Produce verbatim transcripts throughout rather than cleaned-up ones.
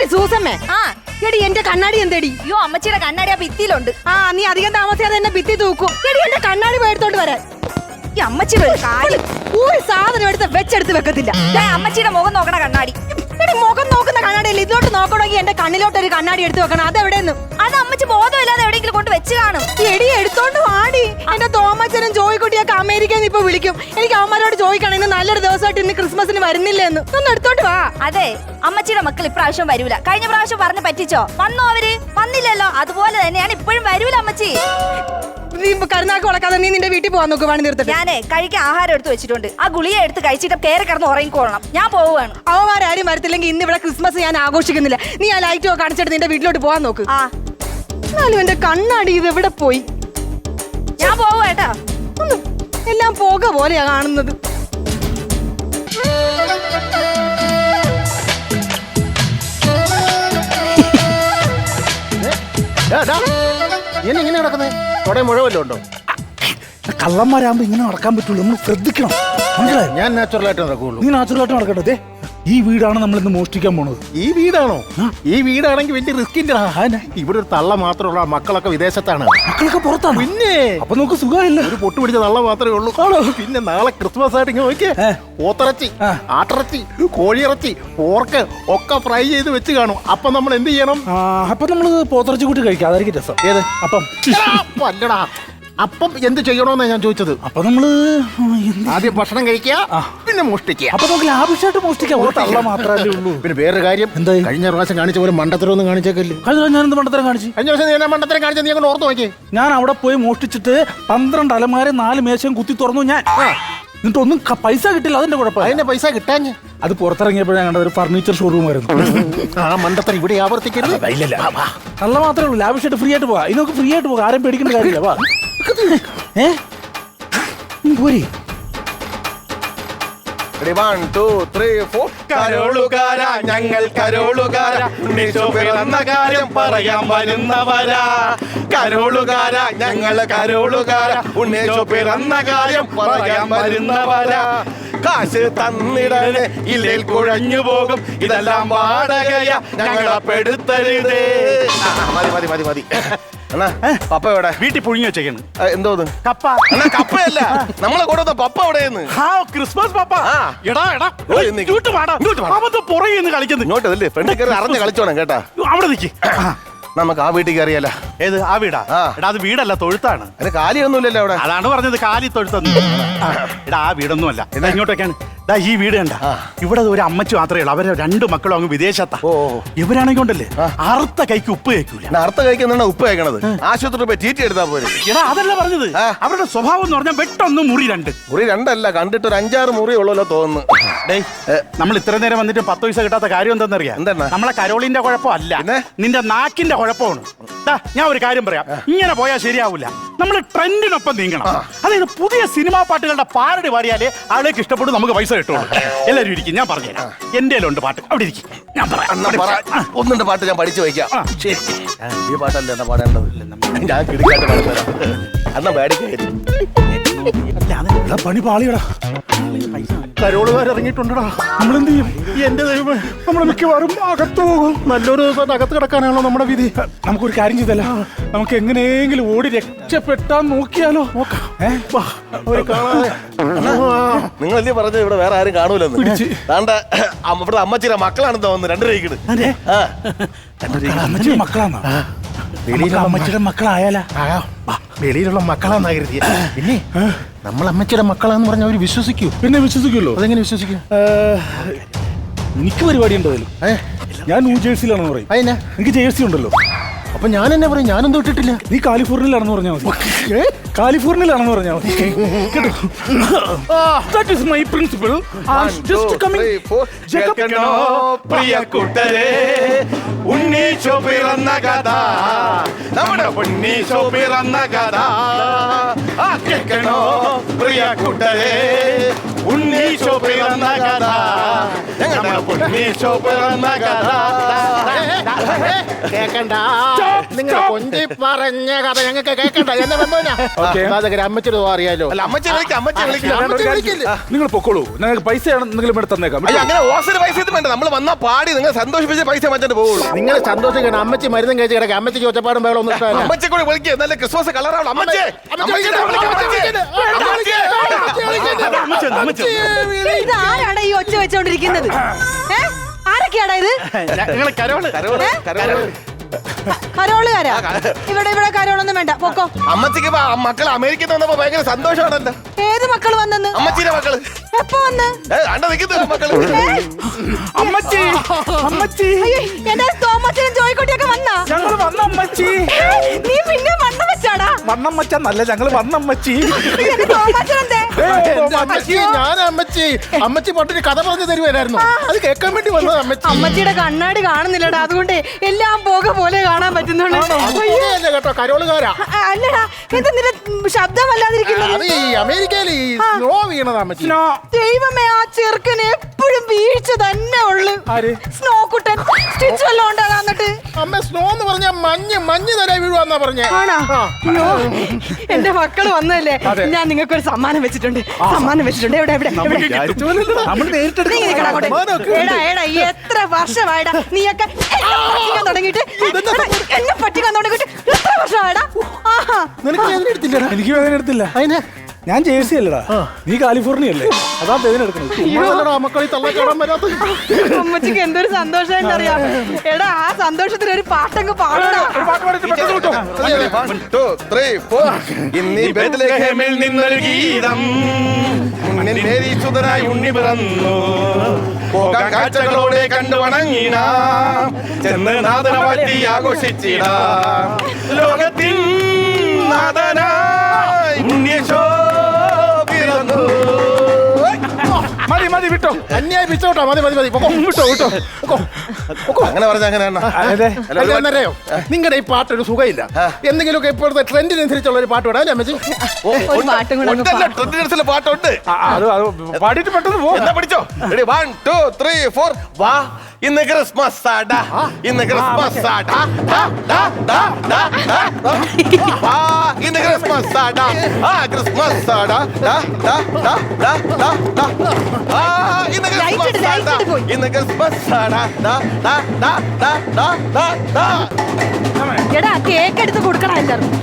സൂസമ്മേ, ആ എടി എന്റെ കണ്ണാടി എന്തേടി? അയ്യോ അമ്മച്ചിയുടെ കണ്ണാടി ആ ഭിത്തിയിലുണ്ട്. ആ നീ അധികം താമസിയാതെ എന്നെ ഭിത്തി തൂക്കും. എടി എന്റെ കണ്ണാടി പോയെടുത്തോണ്ട് വരാൻ. ഈ അമ്മച്ചിയുടെ ഒരു കാര്യം, ഒരു സാധനം എടുത്ത് വെച്ചെടുത്ത് വെക്കത്തില്ല. അമ്മച്ചിയുടെ മുഖം നോക്കണ കണ്ണാടി. എടി മുഖം നോക്കുന്ന കണ്ണാടിയല്ല, ഇതിലോട്ട് നോക്കണമെങ്കിൽ എന്റെ കണ്ണിലോട്ട് ഒരു കണ്ണാടി എടുത്ത് വെക്കണം. അതെവിടെയെന്ന്? അത് അമ്മച്ചി ബോധമില്ലാതെ എവിടെയെങ്കിലും കൊണ്ട് വെച്ച് കാണും. എടി എടുത്തോണ്ട് വാടി. എന്റെ തോമച്ചനും ജോയിക്കുട്ടിയൊക്കെ അമേരിക്കയിൽ നിന്ന് ഇപ്പൊ വിളിക്കും. എനിക്ക് അവന്മാരോട് ചോദിക്കണം ഇന്ന് നല്ലൊരു ദിവസമായിട്ട് ഇന്ന് ക്രിസ്മസിന് വരുന്നില്ലെന്ന്. ഒന്ന് എടുത്തോണ്ട് വാ. അതെ, അമ്മച്ചിയുടെ മക്കൾ ഇപ്രാവശ്യം വരൂല. കഴിഞ്ഞ പ്രാവശ്യം പറഞ്ഞ് പറ്റിച്ചോ? വന്നോ അവര്? വന്നില്ലല്ലോ. അതുപോലെ തന്നെയാണ് ഇപ്പോഴും വരൂല അമ്മച്ചി. നീ കരുനാക്ക് വളക്കാതെ നീ നിന്റെ വീട്ടിൽ പോവാൻ നോക്ക്. പണി നിർത്തിട്ട് ഞാനേ കഴിക്കാൻ ആഹാരം എടുത്ത് വെച്ചിട്ടുണ്ട്. ആ ഗുളിക എടുത്ത് കഴിച്ചിട്ട് കയറി കിടന്ന് ഉറങ്ങിക്കോളണം. ഞാൻ പോവുകയാണ്. അവന്മാരും വരത്തില്ലെങ്കിൽ ഇന്ന് ഇവിടെ ക്രിസ്മസ് ഞാൻ ആഘോഷിക്കുന്നില്ല. നീ ആ ലൈറ്റ് ഒക്കെ അടിച്ചിട്ട് നിന്റെ വീട്ടിലോട്ട് പോവാൻ നോക്ക്. ആ എന്നാലും എന്റെ കണ്ണാടി ഇത് എവിടെ പോയി? ഞാൻ പോവുകേട്ടാ. ഒന്ന് എല്ലാം പോക പോലെയാ കാണുന്നത്. ഇങ്ങനെ നടക്കുന്നേ അവിടെ മുഴവല്ലോ ഉണ്ടോ? കള്ളന്മാരാകുമ്പോ ഇങ്ങനെ നടക്കാൻ പറ്റുള്ളൂ. നമ്മൾ ശ്രദ്ധിക്കണം. മനസ്സിലായോ? ഞാൻ നാച്ചുറൽ ആയിട്ട് നടക്കുള്ളൂ. നീ നാച്ചുറൽ ആയിട്ട് നടക്കട്ടെ. ഈ വീടാണ് നമ്മൾ ഇന്ന് മോഷ്ടിക്കാൻ പോണത്. ഈ വീടാണോ? ഈ വീടാണെങ്കിൽ വലിയ റിസ്കിന്റെ. ഇവിടെ ഒരു തള്ള മാത്രമുള്ള മക്കളൊക്കെ വിദേശത്താണ്. മക്കളൊക്കെ പുറത്താണ്. പിന്നെ അപ്പൊ നമുക്ക് സുഖമില്ല. ഒരു പൊട്ടു പിടിച്ച തള്ള മാത്രമേ ഉള്ളൂ. പിന്നെ നാളെ ക്രിസ്മസ് ആയിട്ട് ഇങ്ങനെ നോക്കിയേ, പോത്തിറച്ചി, ആട്ടിറച്ചി, കോഴിയിറച്ചി, പോർക്ക് ഒക്കെ ഫ്രൈ ചെയ്ത് വെച്ച് കാണും. അപ്പൊ നമ്മൾ എന്ത് ചെയ്യണം? അപ്പൊ നമ്മള് പോത്തിറച്ചി കൂട്ടി കഴിക്കാം. അതായിരിക്കും രസം. ഏത് അപ്പം? അല്ലടാ, അപ്പം എന്ത് ചെയ്യണോന്നാ ഞാൻ ചോദിച്ചത്. അപ്പൊ നമ്മള് ആദ്യം ഭക്ഷണം കഴിക്കുക, പിന്നെ മോഷ്ടിക്കുക. അപ്പൊ നമുക്ക് ലാഭിഷായിട്ട് മോഷ്ടിക്കാം. തള്ള മാത്രമല്ലേ ഉള്ളൂ. പിന്നെ വേറൊരു കാര്യം, എന്തായി? കഴിഞ്ഞ പ്രാവശ്യം കാണിച്ച പോലെ മണ്ടത്തരം ഒന്നും കാണിച്ചേക്കല്ലേ. കഴിഞ്ഞ ഞാൻ എന്ത് മണ്ടത്തരം കാണിച്ചു? കഴിഞ്ഞ പ്രാവശ്യം ഞാൻ മണ്ടത്തരം കാണിച്ച നീ അങ്ങനെ ഓർത്ത് നോക്കിയേ. ഞാൻ അവിടെ പോയി മോഷ്ടിച്ചിട്ട് പന്ത്രണ്ട് അലമാരെ നാല് മേശയും കുത്തി തുറന്നു ഞാൻ. എന്നിട്ട് ഒന്നും പൈസ കിട്ടില്ല. അതിന്റെ കുഴപ്പം. അതിന്റെ പൈസ കിട്ടാൻ അത് പുറത്തിറങ്ങിയപ്പോഴാണ് കണ്ടത്. ഒരു ഫർണിച്ചർ ഷോറൂം ആയിരുന്നു. ആ മണ്ടത്തരം ഇവിടെ ആവർത്തിക്കരുത്. നല്ല മാത്രമേ ഉള്ളൂ. ലാഭിഷായിട്ട് ഫ്രീ ആയിട്ട് പോവാ. ഇതിനൊക്കെ ഫ്രീ ആയിട്ട് പോകാം. ആരും പേടിക്കേണ്ട കാര്യമില്ല. വാ. ഏ പോരി. One two three four. കരോളുകാര ഞങ്ങൾ കരോളുകാര, ഉണ്ണീശോ പിറന്ന കാര്യം പറയാൻ വരുന്നവരാ. കരോളുകാര ഞങ്ങൾ കരോളുകാര, ഉണ്ണീശോ പിറന്ന കാര്യം പറയാൻ വരുന്നവരാ. കാശ് തന്നിടനെ ഇല്ലേൽ കുഴഞ്ഞു പോകും, ഇതെല്ലാം വാടകയ ഞങ്ങളെ പെടുത്തരുതേ. മതി മതി മതി മതി. അണ്ണാ പപ്പ എവിടെ? വീട്ടിൽ പുഴുങ്ങി വെച്ചേക്കാണ്. എന്തോ കപ്പ. അണ്ണാ കപ്പയല്ല, നമ്മളെ കൂടെ പപ്പ എവിടെയെന്ന്. Christmas papa. എടാ എടാ പുറകെ കളിക്കുന്നു. ഇങ്ങോട്ട് അല്ലേ ഫ്രണ്ട് കയറി അറിഞ്ഞ് കളിച്ചോണം കേട്ടാ. അവിടെ നിൽക്കി. നമുക്ക് ആ വീട്ടിൽ കയറിയല്ല. ഏത് ആ വീടാ? എടാ അത് വീടല്ല, തൊഴുത്താണ്. അതിന് കാലിയൊന്നുമില്ലല്ലോ അവിടെ. അതാണ് പറഞ്ഞത്, കാലി തൊഴുത്തൊന്നും. എടാ ആ വീടൊന്നും അല്ല. എടാ ഇങ്ങോട്ടൊക്കെയാണ്. ഈ വീട് കണ്ട, ഇവിടെ ഒരു അമ്മച്ചു മാത്രമേ ഉള്ളൂ. അവരെ രണ്ടു മക്കളും അങ്ങ് വിദേശത്താ. ഇവരാണെങ്കിൽ ഉണ്ടല്ലേ അറുത്ത കൈക്ക് ഉപ്പ് കഴിക്കൂല. അറുത്ത കൈക്ക് ഉപ്പ് കഴിക്കണത്? ആശുപത്രി പോയി ചീറ്റി എടുത്താൽ പോരെ. എടാ അതല്ല പറഞ്ഞത്, അവരുടെ സ്വഭാവം എന്ന് പറഞ്ഞാൽ വെട്ടൊന്ന് മുറി രണ്ട്. മുറി രണ്ടല്ല, കണ്ടിട്ട് ഒരു അഞ്ചാറ് മുറി ഉള്ളല്ലോ തോന്നുന്നു. ഡേയ് നമ്മൾ ഇത്ര നേരം വന്നിട്ട് പത്ത് പൈസ കിട്ടാത്ത കാര്യം എന്താണെന്നറിയാം? എന്താണ്? നമ്മളെ കരോളിന്റെ കുഴപ്പമല്ല, നിന്റെ നാക്കിന്റെ കുഴപ്പമാണ്. ഞാൻ ഒരു കാര്യം പറയാം, ഇങ്ങനെ പോയാൽ ശരിയാവില്ല. നമ്മൾ ട്രെൻഡിനൊപ്പം നീങ്ങണം. അതായത് പുതിയ സിനിമാ പാട്ടുകളുടെ പാരടി പാടിയാലേ ആളേക്ക് ഇഷ്ടപ്പെടും, നമുക്ക് പൈസ കിട്ടുള്ളൂ. എല്ലാവരും ഇരിക്കും, ഞാൻ പറഞ്ഞുതരാം. എന്റെ ഉണ്ട് പാട്ട്, അവിടെ ഇരിക്കും, ഞാൻ പറയാം. ഒന്നുണ്ട് പാട്ട് ഞാൻ പഠിച്ചു വയ്ക്കാം. ശരി, ഈ പാട്ടല്ലേ എന്നാ പാടേണ്ടത്? ഞാൻ കിടക്കാട്ട് പാടുതരാം. എന്നാ പേടിക്കായിരുന്നു. പണി പാളിയടാ. കരോളുകാർ ഇറങ്ങിയിട്ടുണ്ടടാ. നമ്മളെന്ത് ചെയ്യും? എന്റെ ദൈവമേ, നമ്മൾ മിക്കവാറും അകത്ത് പോകും. നല്ലൊരു ദിവസം അകത്ത് കിടക്കാനാണല്ലോ നമ്മുടെ വിധി. നമുക്കൊരു കാര്യം ചെയ്തല്ല, നമുക്ക് എങ്ങനെയെങ്കിലും ഓടി രക്ഷപ്പെട്ടാൻ നോക്കിയാലോ? നിങ്ങളല്ലേ പറഞ്ഞത് ഇവിടെ വേറെ ആരും കാണൂലെന്ന്? താണ്ട ഇവിടെ അമ്മച്ചിയുടെ മക്കളാണെന്ന് തോന്നുന്നു. രണ്ടു രൂപയ്ക്ക് അമ്മച്ചിയുടെ മക്കളാണോ? അമ്മച്ചിയുടെ മക്കളായാലാ? വെളിയിലുള്ള മക്കളാന്നാ കരുതിയ. പിന്നെ നമ്മൾ അമ്മച്ചിയുടെ മക്കളാന്ന് പറഞ്ഞാൽ അവര് വിശ്വസിക്കൂ. പിന്നെ വിശ്വസിക്കുമല്ലോ. അതെങ്ങനെ വിശ്വസിക്കും? എനിക്ക് പരിപാടി ഉണ്ടല്ലോ. ഞാൻ ന്യൂ ജേഴ്സിയിലാണെന്ന് പറയും. അതിനാ എനിക്ക് ജേഴ്സി ഉണ്ടല്ലോ. അപ്പൊ ഞാൻ എന്നെ പറയും, ഞാനൊന്നും ഇട്ടിട്ടില്ല. നീ കാലിഫോർണിയയിലാണെന്ന് പറഞ്ഞാൽ മതി. കാലിഫോർണിയയിലാണെന്ന് പറഞ്ഞാൽ മതി കേട്ടോ. That is my principle. Just coming. പ്രിയ കൂട്ടരെ, ഉണ്ണീശോ പിറന്ന കഥ, നമ്മുടെ ഉണ്ണീശോ പിറന്ന കഥ കേൾക്കണോ പ്രിയ കൂട്ടരെ, ഉണ്ണീശോ പിറന്ന കഥ. ഞങ്ങളുടെ പൊന്നീശോ പിറന്ന കഥ. കേക്കണ്ട, നിങ്ങൾ കൊഞ്ചി പറഞ്ഞ കഥ ഞങ്ങൾക്ക് കേക്കണ്ട. എന്നെ വന്നോനാ അമ്മച്ചൊരു അറിയാലോ. അല്ല അമ്മച്ചി വിളിക്കാം അമ്മച്ചി വിളിക്കാം. നിങ്ങൾ പൊക്കോളൂ, നിങ്ങൾക്ക് പൈസ എന്തെങ്കിലും ഇവിടെ തന്നേക്കാം. അയ്യോ അങ്ങനെ ഓസിന് പൈസ ഒന്നും വേണ്ട. നമ്മൾ വന്നാ പാടി നിങ്ങൾ സന്തോഷിപ്പിച്ച പൈസ മറ്റേ പോകുള്ളൂ. നിങ്ങൾ സന്തോഷിക്കണം. അമ്മച്ചി മരുന്നും കഴിച്ച് കിടക്കുക. അമ്മച്ചിക്ക് ഒച്ചപ്പാടും വേറെ ഒന്നും ഇഷ്ടമല്ല. അമ്മച്ചി കൂടി വിളിക്കുക. നല്ല ക്രിസ്മസ് കളറാവണം. അമ്മച്ചി ഇത് ആരാടാ ഈ ഒച്ച വെച്ചോണ്ടിരിക്കുന്നത്? ഏ? ആരൊക്കെയാടാ ഇത്? ഞങ്ങള് കരോള് കരോളുകാരാ? ഇവിടെ ഇവിടെ കരോളൊന്നും വേണ്ട, പൊക്കോ. അമ്മച്ചിക്ക് മക്കൾ അമേരിക്കയിൽ വന്നപ്പോ ഭയങ്കര സന്തോഷമാണല്ലോ. ഏത് മക്കള് വന്നെന്ന്? അമ്മച്ചിയുടെ മക്കള് എപ്പോ വന്ന്? അണ്ട നിൽക്കുന്ന മക്കള്. അമ്മച്ചി അമ്മച്ചി അയ്യോ, എന്റെ തോമച്ചനും ജോയിക്കുട്ടിയൊക്കെ വന്നാ? ഞങ്ങള് വന്ന അമ്മച്ചി. നീ പിന്നെ വണ്ണം വെച്ചാടാ? വണ്ണം വെച്ചല്ല, ഞങ്ങള് വന്ന അമ്മച്ചി. എന്റെ തോമച്ചനെന്തേ? എന്റെ അമ്മച്ചി, ഞാൻ അമ്മച്ചി അമ്മച്ചി പണ്ടൊരു കഥ പറഞ്ഞു തരുവായിരുന്നു. അത് കേൾക്കാൻ വേണ്ടി വന്നത് അമ്മച്ചി. അമ്മച്ചിയുടെ കണ്ണാടി കാണുന്നില്ലടാ, അതുകൊണ്ട് എല്ലാം പോക പോലെ കാണാൻ പറ്റുന്നുള്ളൂ. അല്ലേ കേട്ടോ, കരോളുകാരാ. അ- അല്ലടാ, എന്താ നിന്റെ ശബ്ദം വല്ലാതിരിക്കുന്നത്? അത് ഈ അമേരിക്കയിൽ ഈ സ്നോ വീണത് അമ്മച്ചി. ദൈവമേ, ആ ചെറുക്കന് എപ്പോഴും വീഴ്ച തന്നെ ഉള്ളു. ആര്? സ്നോ കുട്ടൻ സ്റ്റിച്ച് വല്ലതും ഉണ്ടാകാ? എന്നിട്ട് അമ്മ സ്നോ എന്ന് പറഞ്ഞാൽ മഞ്ഞ് മഞ്ഞ് തരാ വീഴുവാന്നാ പറഞ്ഞേ. ആണോ? അയ്യോ, എന്റെ മക്കള് വന്നതല്ലേ, ഞാൻ നിങ്ങൾക്ക് ഒരു സമ്മാനം വെച്ചിട്ടുണ്ട്. സമ്മാനം വെച്ചിട്ടുണ്ട്. എവിടെ എവിടെ എവിടെ? നമ്മൾ നേരിട്ട് നീ ഇങ്ങ് നിക്കടാ അങ്ങോട്ട്. എടാ എടാ, എത്ര വർഷമായിടാ നീയൊക്കെ എന്നെ പറ്റിക്കാൻ തുടങ്ങിയിട്ട്? എടാ, എന്നെ പറ്റിക്കാൻ തുടങ്ങിയിട്ട് എത്ര വർഷമായിടാ? ആഹാ, നിനക്ക് വേദന എടുത്തില്ലടാ? എനിക്ക് വേദന എടുത്തില്ല. അതിന് ഞാൻ ജേഴ്സി അല്ലടാ, നീ കാലിഫോർണിയ അല്ലേ, അതാ വേദന എടുക്കണം. മക്കളി തള്ള കാണാൻ വരാത്ത. അമ്മച്ചിക്ക് എന്തൊരു സന്തോഷം അറിയാം. എടാ, ആ സന്തോഷത്തിന് ഒരു പാട്ടങ്ങ് പാടടാ. One, two, three, four. ഇന്നീ ബേത്ലഹേമിൽ നിന്നൊരു ഗീതം മുന്നിൽ മേരി സുതനായി ഉണ്ണി പിറന്നു. പോകാൻ കാഴ്ചകളോടെ കണ്ടു വണങ്ങിടാം. ചെന്ന് നാഥനെ വാഴ്ത്തി ആഘോഷിച്ചിടാം. ലോകത്തിൻ നാഥനായി ഉണ്ണിയേശോ പിറന്നു. മതി മതി വിട്ടോ, അന്യായി പിച്ചോട്ടോ. മതി മതി മതി പൊക്കോ, വിട്ടോ വിട്ടോ പൊക്കോ, പൊക്കോ. അങ്ങനെ പറഞ്ഞ അങ്ങനെയാണ്. അതെ അല്ലയോ, നിങ്ങളുടെ ഈ പാട്ടൊരു സുഖമില്ല. എന്തെങ്കിലുമൊക്കെ ഇപ്പോഴത്തെ ട്രെൻഡിനനുസരിച്ചുള്ള ഒരു പാട്ട് വിടാം അമ്മച്ചി. ഒരു പാട്ടും കൂടെ അങ്ങ് ഉണ്ടല്ലോ, പാ. ട്രെൻഡിനനുസരിച്ചുള്ള പാട്ടുണ്ട്. അത് അത് പാടിയിട്ട് പെട്ടെന്ന് പോ. എന്നാ പിടിച്ചോ. Ready, one two three four. വാ ഇന്ന് ക്രിസ്മസ് ആടാ, ഇന്ന് ക്രിസ്മസ് ആടാ, ഡാ, ഡാ, ഡാ, ഡാ, ഡാ, ഡാ. വാ ഇന്ന് ക്രിസ്മസ് ആടാ, ആ ക്രിസ്മസ് ആടാ, ഡാ, ഡാ, ഡാ, ഡാ, ഡാ, ഡാ. ആ ഇന്ന് Light ഇട്, ക്രിസ്മസ് light ആടാ, ഇട് പോയി. ഇന്ന് ക്രിസ്മസ് ആടാ, ഡാ, ഡാ, ഡാ, ഡാ, ഡാ, ഡാ, ഡാ. എടാ, കേക്ക് എടുത്ത് കൊടുക്കണം എല്ലാവർക്കും.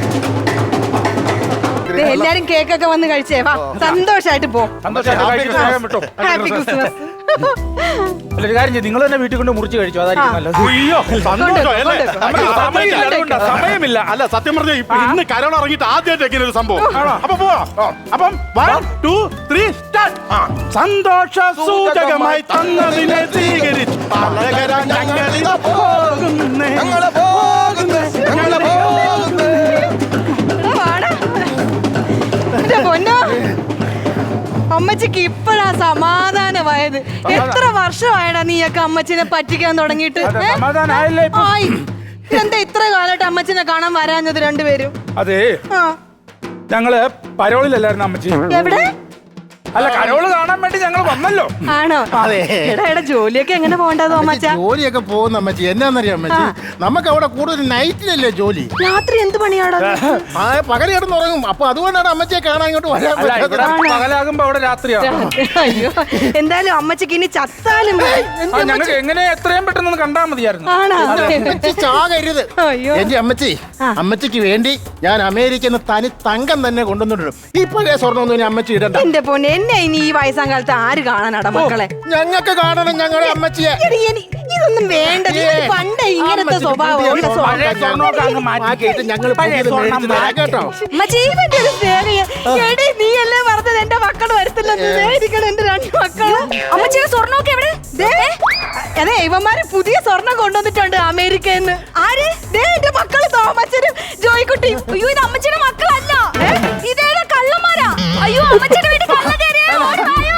ദേ, എല്ലാരും കേക്കൊക്കെ വന്ന് കഴിച്ചേ. വാ, സന്തോഷായിട്ട് പോ. സന്തോഷമായിട്ട് കഴിച്ചിട്ട് വേഗം വിട്ടോ. Happy Christmas. അല്ല, ഒരു കാര്യം ചെയ്യ്, നിങ്ങൾ തന്നെ വീട്ടിൽ കൊണ്ട് മുറിച്ച് കഴിച്ചു, അതായിരിക്കും നല്ലത്. അയ്യോ സന്തോഷം അല്ലേ? കൊണ്ട് നമുക്ക് കൊണ്ട് സമയമില്ല, കൊണ്ട് അതുകൊണ്ടാ, സമയമില്ല. അല്ല സത്യം പറഞ്ഞ ഇന്ന് കരോൾ ഇറങ്ങിയിട്ട് ആദ്യമായിട്ട് ഇങ്ങനെ ഒരു സംഭവം. അപ്പൊ പോവാ. അപ്പം വൺ ടു ത്രീ സ്റ്റാർട്ട്. സന്തോഷ സൂചകമായി തന്നതിനെ സ്വീകരിച്ചു പാലകരാ ഞങ്ങളിതാ പോകുന്നേ. ഞങ്ങള് പോകുന്നു, ഞങ്ങള് പോകുന്നു. എടാ, വാടാ. എന്റെ പൊന്നോ, അമ്മച്ചിക്ക് ഇപ്പഴാ സമാധാനമായത്. എത്ര വർഷമായടാ നീയൊക്കെ അമ്മച്ചിനെ പറ്റിക്കാൻ തുടങ്ങിയിട്ട്? അതെ, ഏ? സമാധാനായല്ലേ ഇപ്പൊ? ആയി. എന്താ ഇത്ര കാലമായിട്ട് അമ്മച്ചിനെ കാണാൻ വരാഞ്ഞത് രണ്ടുപേരും? അതെ, ആ, ഞങ്ങള് പരോളിലല്ലായിരുന്നു അമ്മച്ചി. എവിടെ? അല്ല, കരോള് കാണാൻ വേണ്ടി ഞങ്ങൾ വന്നല്ലോ. ആണോ? അതെ. എടാ എടാ, ജോലിയൊക്കെ എങ്ങനെ പോകണ്ടതോ അമ്മച്ച? ജോലിയൊക്കെ പോകുന്ന അമ്മച്ചി എന്നാന്നറിയാം അമ്മച്ചി, നമുക്ക് അവിടെ കൂടുതൽ നൈറ്റിലല്ലേ ജോലി. രാത്രി എന്ത് പണിയാടാ? ആ പകൽ കിടന്നുറങ്ങും. അപ്പൊ അതുകൊണ്ടാണ് അമ്മച്ചിയെ കാണാൻ ഇങ്ങോട്ട് വരാൻ അല്ല, ഇവിടെ പറ്റാത്തത്. പകലാകുമ്പോ അവിടെ രാത്രിയാണ്. അയ്യോ, എന്തായാലും അമ്മച്ചിക്ക് ഇനി ചത്താലും മതി. ആ, ഞങ്ങൾക്ക് എങ്ങനെ എത്രയും പെട്ടെന്ന് ഒന്ന് കണ്ടാ മതിയായിരുന്നു. ആണോ? അമ്മച്ചി ചാകരുത്. അയ്യോ. എന്റെ അമ്മച്ചി, ആ. അമ്മച്ചിക്ക് വേണ്ടി ഞാൻ അമേരിക്കയിൽ നിന്ന് തനി തങ്കം തന്നെ കൊണ്ടുവന്നിടും. ഈ പഴയ സ്വർണ്ണമൊന്നും ഇനി അമ്മച്ചി ഇടണ്ട. എന്റെ പൊന്നെ, എന്നെ ഇനി ഈ വയസ്സാം കാലത്ത് ആര് കാണാനാടാ മക്കളെ? ഞങ്ങൾക്ക് കാണണം ഞങ്ങളുടെ അമ്മച്ചിയെ. എടി, എനി- ഇതൊന്നും വേണ്ട. നിങ്ങൾ പണ്ടേ ഇങ്ങനത്തെ അമ്മച്ചിക്ക് സ്വഭാവം പുതിയ ഉള്ള സ്വർണ്ണം സ്വഭാവം. പഴയ സ്വർണ്ണമൊക്കെ അങ്ങ് മാറ്റിയിട്ട് ഞങ്ങൾ പഴയ പുതിയത് സ്വർണ്ണം മേടിച്ച് തരാം കേട്ടോ. അമ്മച്ചി, ഇവന്റെ ഒരു സ്നേഹം. എടി, നീ അല്ലേ പറഞ്ഞത് എന്റെ മക്കൾ വരത്തില്ലെന്ന്? സ്നേഹിക്കണം എന്റെ രണ്ട് മക്കള്. അമ്മച്ചിയുടെ സ്വർണ്ണമൊക്കെ എവിടെ? ദേ, അതെ, ഇവന്മാര് പുതിയ സ്വർണം കൊണ്ടുവന്നിട്ടുണ്ട് അമേരിക്കയിൽ നിന്ന്. ആര്? ദേ, എന്റെ മക്കള് തോമച്ചനും ജോയിക്കുട്ടി. അയ്യോ, ഇത് അമ്മച്ചിയുടെ മക്കളല്ല. ഇതേതാ കള്ളന്മാരാ? അയ്യോ, അമ്മച്ചിയുടെ വീട്ടിൽ കള്ളം കയറിയോ? ഓടി വായോ.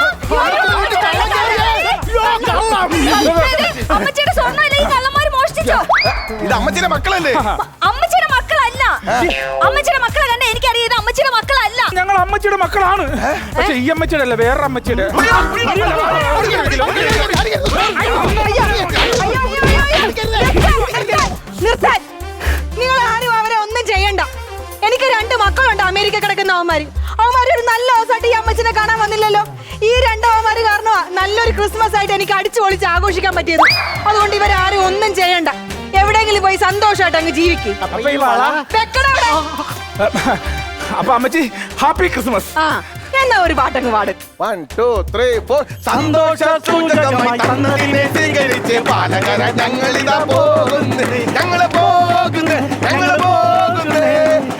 അമ്മച്ചിയുടെ സ്വർണ്ണമല്ല ഈ കള്ളന്മാര് മോഷ്ടിച്ചോ? ഇത് അമ്മച്ചിയുടെ മക്കളല്ലേ? അമ്മച്ചിയുടെ മക്കളല്ല. അമ്മച്ചിയുടെ മക്കളെ കണ്ട എനിക്കറിയാം, ഇത് അമ്മച്ചിയുടെ മക്കളല്ല. ഞങ്ങൾ അമ്മച്ചിയുടെ മക്കളാണ്. പക്ഷെ ഈ അമ്മച്ചിയുടെ അല്ല, വേറെ അമ്മച്ചിയുടെ. അയ്യോ, അയ്യോ, അയ്യോ, അയ്യോ. നിർത്താൻ, നിർത്താൻ. നിങ്ങൾ ആരും അവരെ ഒന്നും ചെയ്യണ്ട. എനിക്ക് രണ്ട് മക്കളുണ്ട് അമേരിക്ക കിടക്കുന്ന അവന്മാര്. അവന്മാര് ഒരു നല്ല ദിവസമായിട്ട് ഈ അമ്മച്ചിനെ കാണാൻ വന്നില്ലല്ലോ. ഈ രണ്ടവന്മാര് കാരണമാ നല്ലൊരു ക്രിസ്മസ് ആയിട്ട് എനിക്ക് അടിച്ചു പൊളിച്ച് ആഘോഷിക്കാൻ പറ്റിയത്. അതുകൊണ്ട് ഇവരാരും ഒന്നും ചെയ്യണ്ട. എവിടെയെങ്കിലും പോയി സന്തോഷമായിട്ട് അങ്ങ് ജീവിക്കും. അപ്പൊ അമ്മച്ചി ഹാപ്പി ക്രിസ്മസ്. ആ എന്നാ ഒരു പാട്ടങ്ങ് പാടും. വൺ ടു ത്രീ ഫോർ സന്തോഷ സൂചകമായി തന്നതിനെ സ്വീകരിച്ച് പാലകര ഞങ്ങളിതാ പോകുന്നു, ഞങ്ങള് പോകുന്നു, ഞങ്ങള് പോകുന്നു.